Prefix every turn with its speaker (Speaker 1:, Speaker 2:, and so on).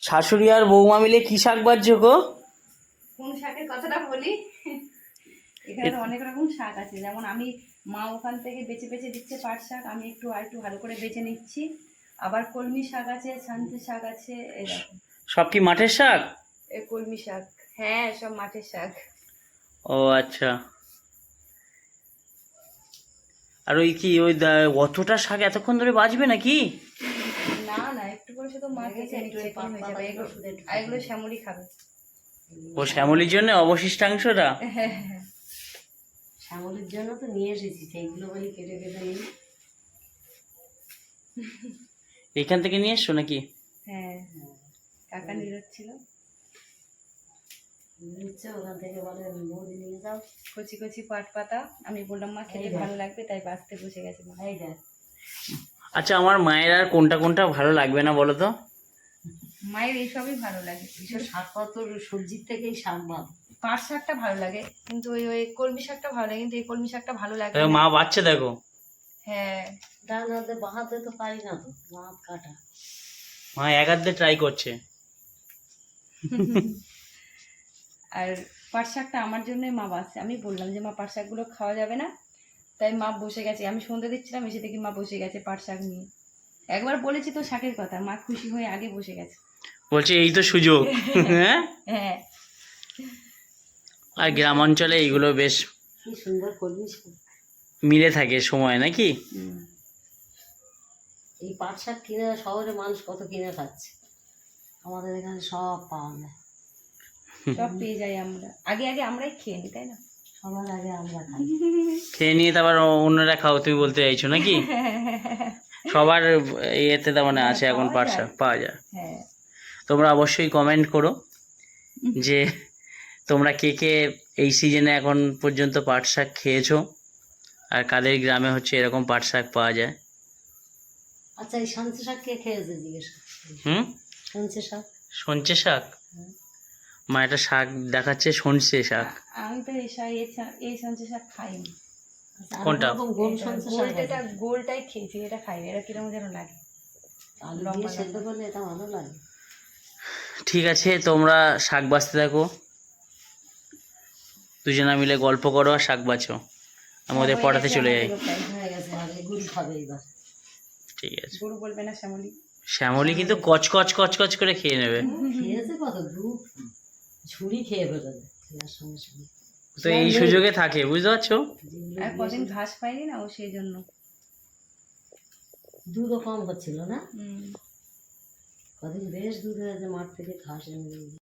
Speaker 1: শাশুড়ি আর বৌমা মিলে কি শাক বাজছো গো?
Speaker 2: কোন শাকের কথাটা বলি? এখানে তো অনেক রকম শাক আছে, যেমন আমি মা ওখান থেকে বেছে বেছে দিচ্ছে পাট শাক, আমি একটু ভালো করে বেছে নিচ্ছি। আবার কলমি শাক আছে, ছানতে শাক আছে, এই দেখো।
Speaker 1: সব কি মাঠের শাক?
Speaker 2: এই কলমি শাক, হ্যাঁ সব মাঠের শাক।
Speaker 1: ও আচ্ছা। আর ওই কি অতটা শাক এতক্ষণ ধরে বাজবে নাকি?
Speaker 2: না না, একটু করে শুধু মা কেটে নিচ্ছে, এক্ষুনি হয়ে যাবে। আর এগুলো শ্যামলি খাবে।
Speaker 1: ও শ্যামলির জন্য অবশিষ্টাংশটা?
Speaker 3: শ্যামলির জন্য তো নিয়ে এসেছি, সেইগুলো বলি কেটে কেটে নিই।
Speaker 1: এখান থেকে নিয়ে এসছো নাকি?
Speaker 2: হ্যাঁ, কাকা নিরোচ্ছিল,
Speaker 3: নিচ্ছে ওখান থেকে, বলে বৌদি নিয়ে যাও।
Speaker 2: কচি কচি পাট পাতা, আমি বললাম মা খেতে ভালো লাগবে, তাই বাঁচতে বসে গেছে মা।
Speaker 3: এই দেখ,
Speaker 1: আচ্ছা, আমার মায়ের আর কোনটা কোনটা ভালো লাগবে না বলো তো?
Speaker 2: মায়ের এইসবই ভালো লাগে।
Speaker 3: এইসব শাকপত্র সবজির থেকেই শাক ভালো।
Speaker 2: পাট শাকটা ভালো লাগে, কিন্তু ওই কলমি শাকটা ভালো লাগে, কিন্তু এই কলমি শাকটা ভালো লাগে
Speaker 1: দেখো,
Speaker 2: না।
Speaker 1: মা বাচ্চা দেখো।
Speaker 2: হ্যাঁ,
Speaker 3: ডান হাতে বাঁ হাতে তো পারি না তো, বাঁ হাত কাটা।
Speaker 1: মা এক হাত দিয়ে ট্রাই করছে।
Speaker 2: আর পাট শাকটা আমার জন্যই মা বাঁচছে। আমি বললাম যে মা পাট শাকগুলো খাওয়া যাবে না, তাই মা বসে গেছে। আমি সন্ধ্যে দিচ্ছিলাম, এসে দেখি মা বসে গেছে পাট শাক নিয়ে। একবার বলেছি তো শাকের কথা, মা খুশি হয়ে আগে বসে গেছে।
Speaker 1: বলছে এই তো সুযোগ। হ্যাঁ।
Speaker 2: হ্যাঁ,
Speaker 1: আর গ্রাম অঞ্চলে এইগুলো বেশ
Speaker 3: কি সুন্দর করবি শাক।
Speaker 1: মিলে থাকে সময় নাকি?
Speaker 3: এই পাট শাক কিনে শহরে মানুষ কত কিনে খাচ্ছে, আমাদের এখানে সব পাওয়া যায়।
Speaker 2: সব পেয়ে যাই আমরা, আগে আগে আমরাই খেয়ে নিই, তাই না?
Speaker 3: সবার আগে আমরা খাই।
Speaker 1: খেয়ে নিয়ে তারপর অন্যরা খাও তুমি বলতে চাইছো নাকি? সবার ইয়েতে তার মানে আছে এখন পাট শাক পাওয়া যায়।
Speaker 2: হ্যাঁ,
Speaker 1: তোমরা অবশ্যই কমেন্ট করো যে তোমরা কে কে এই সিজনে এখন পর্যন্ত পাট শাক খেয়েছো, আর কাদের গ্রামে হচ্ছে এরকম পাট শাক পাওয়া যায়।
Speaker 3: আচ্ছা, এই সঞ্চে শাক কে খেয়েছে জিজ্ঞেস কর। সঞ্চে শাক,
Speaker 1: সঞ্চে শাক? মা একটা শাক দেখাচ্ছে, সঞ্চে শাক।
Speaker 2: আমি তো এই সঞ্চে শাক খাইনি।
Speaker 3: আচ্ছা,
Speaker 1: কোনটা?
Speaker 3: আরেক রকম গোল সঞ্চে শাক আছে।
Speaker 2: গোলটা গোলটাই খেয়েছি, এটা খাইনি। এটা কিরকম যেন লাগে,
Speaker 3: আলু দিয়ে
Speaker 2: লম্বা
Speaker 3: সেদ্ধ
Speaker 2: লম্বা।
Speaker 3: করলে এটা ভালো লাগে।
Speaker 1: ঠিক আছে, তোমরা শাক বাছতে থাকো, দুজনা মিলে গল্প করো আর শাক বাছো, আমি ওদের
Speaker 2: হয়ে
Speaker 1: পড়াতে
Speaker 2: গেছে
Speaker 1: চলে যাই।
Speaker 2: আমাদেরও প্রায়।
Speaker 3: হয়ে গেছে, হবে গুড়ি খাবে এবার।
Speaker 1: ঠিক আছে।
Speaker 2: গরু বলবে না শ্যামলি।
Speaker 1: শ্যামলি কিন্তু কচকচ কচকচ করে খেয়ে নেবে।
Speaker 3: খেয়েছে কত দু ঝুড়ি খেয়ে ফেলেছে খেয়ার সঙ্গে সঙ্গে।
Speaker 1: তো এই সুযোগে থাকে, বুঝতে পারছো?
Speaker 2: আর কদিন ঘাস পাইনি না, ও সেই জন্য।
Speaker 3: দুধও কম হচ্ছিল না,
Speaker 2: হুম।
Speaker 3: কদিন বেশ দুধ হয়েছে, মাঠ থেকে ঘাস এনে দিয়ে।